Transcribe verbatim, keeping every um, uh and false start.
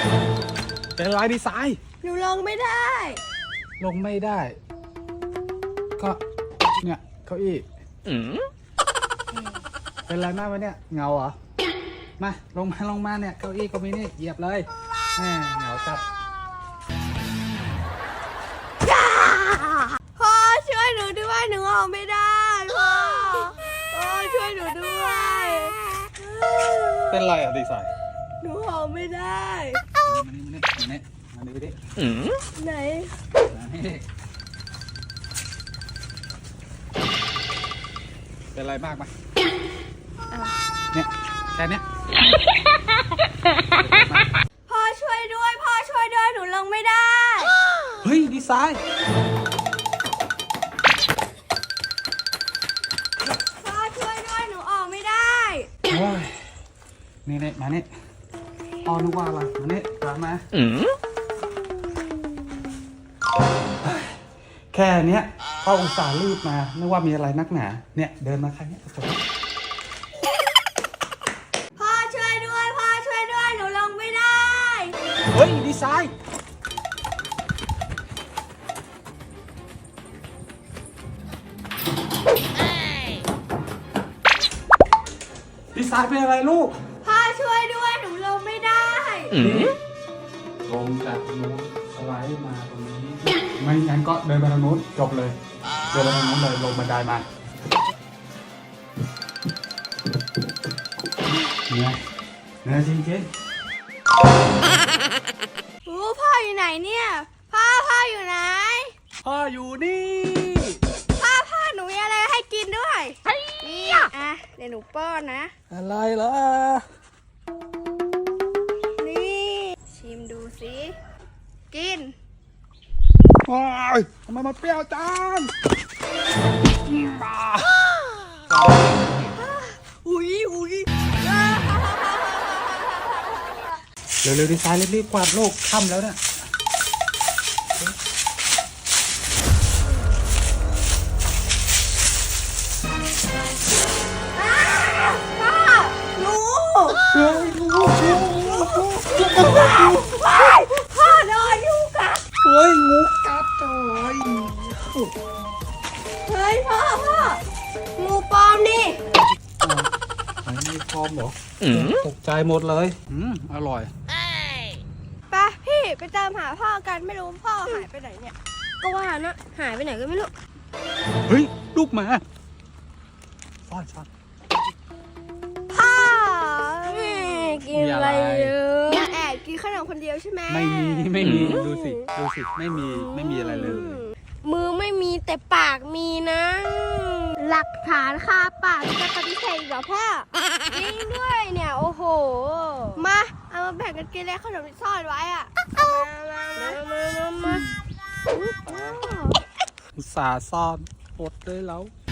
เป็นไรดีไซน์หนูลงไม่ได้ลงไม่ได้ก็เนี่ยเก้าอี้เป็นไรมากวะเนี่ยเงาเหรอมาลงมาลงมาเนี่ยเก้าอี้ก็มีนี่เหยียบเลยแหมเหงาจัดพ่อช่วยหนูด้วยหนูออกไม่ได้พ่อพ่อช่วยหนูด้วยเป็นไรอ่ะดีไซน์หนูออกไม่ได้มานี่มานี่มานี่มานี่ไปดิไหนเป็นไรมากไหมเนี่ยแค่นี้พ่อช่วยด้วยพ่อช่วยด้วยหนูลงไม่ได้เฮ้ยดีไซน์พ่อช่วยด้วยหนูออกไม่ได้โอ้ยนี่เนี่ยมาเนี่ยพ่อนึกว่าอะไรมาเนี่ยตามมาแค่เนี้ยพ่ออุตส่าห์รีบมานึกว่ามีอะไรนักหนาเนี่ยเดินมาแค่นี้พ่อช่วยด้วยพ่อช่วยด้วยหนูลงไม่ได้เฮ้ยดีไซน์ดีไซน์เป็นอะไรลูกพ่อช่วยด้วยหนูลงไม่ได้ลงจากนู้นสไลด์มาตรงนี้ไม่งั้นก็เดินไปทางนู้นจบเลยเดินไปทางนู้นเลยลงบันไดมาเนี่ยเนี่ยจริงจริงโอ้พ่ออยู่ไหนเนี่ยพ่อพ่ออยู่ไหนพ่ออยู่นี่พ่อพ่อหนูมีอะไรให้กินด้วยนี่อ่ะเดี๋ยวหนูป้อนนะอะไรล่ะนี่ชิมดูสิกินโอ้ยทำไมมันเปรี้ยวจังอุ้ยอุ้ยเร็วๆดีไซน์รีบๆกวาดโลกค่ำแล้วเนี่ยหนูเฮ้ยงูงูพ่อโดนงูกัดเฮ้ยงูกัดเลยเฮ้ยพ่อพ่องูปลอมนี่งูปลอมเหรอตกใจหมดเลยอืมอร่อยไปพี่ไปตามหาพ่อกันไม่รู้พ่อหายไปไหนเนี่ยก็ว่านะหายไปไหนก็ไม่รู้เฮ้ยลูกหมาซ่อนซ่อนพ่อกินอะไรเยอะแอบกินขนมคนเดียวใช่ไหมไม่มีไม่มีดูสิดูสิไม่มีไม่มีอะไรเลยมือไม่มีแต่ปากมีนะหลักฐานคาปากจะปฏิเสธเหรอพ่อจริงด้วยเนี่ยโอ้โหมาเอามาแบ่งกันกินแล้วขนมที่ซ่อนไว้อะมามามามามาอุตส่าห์ซ่อนอดเลยแล้ว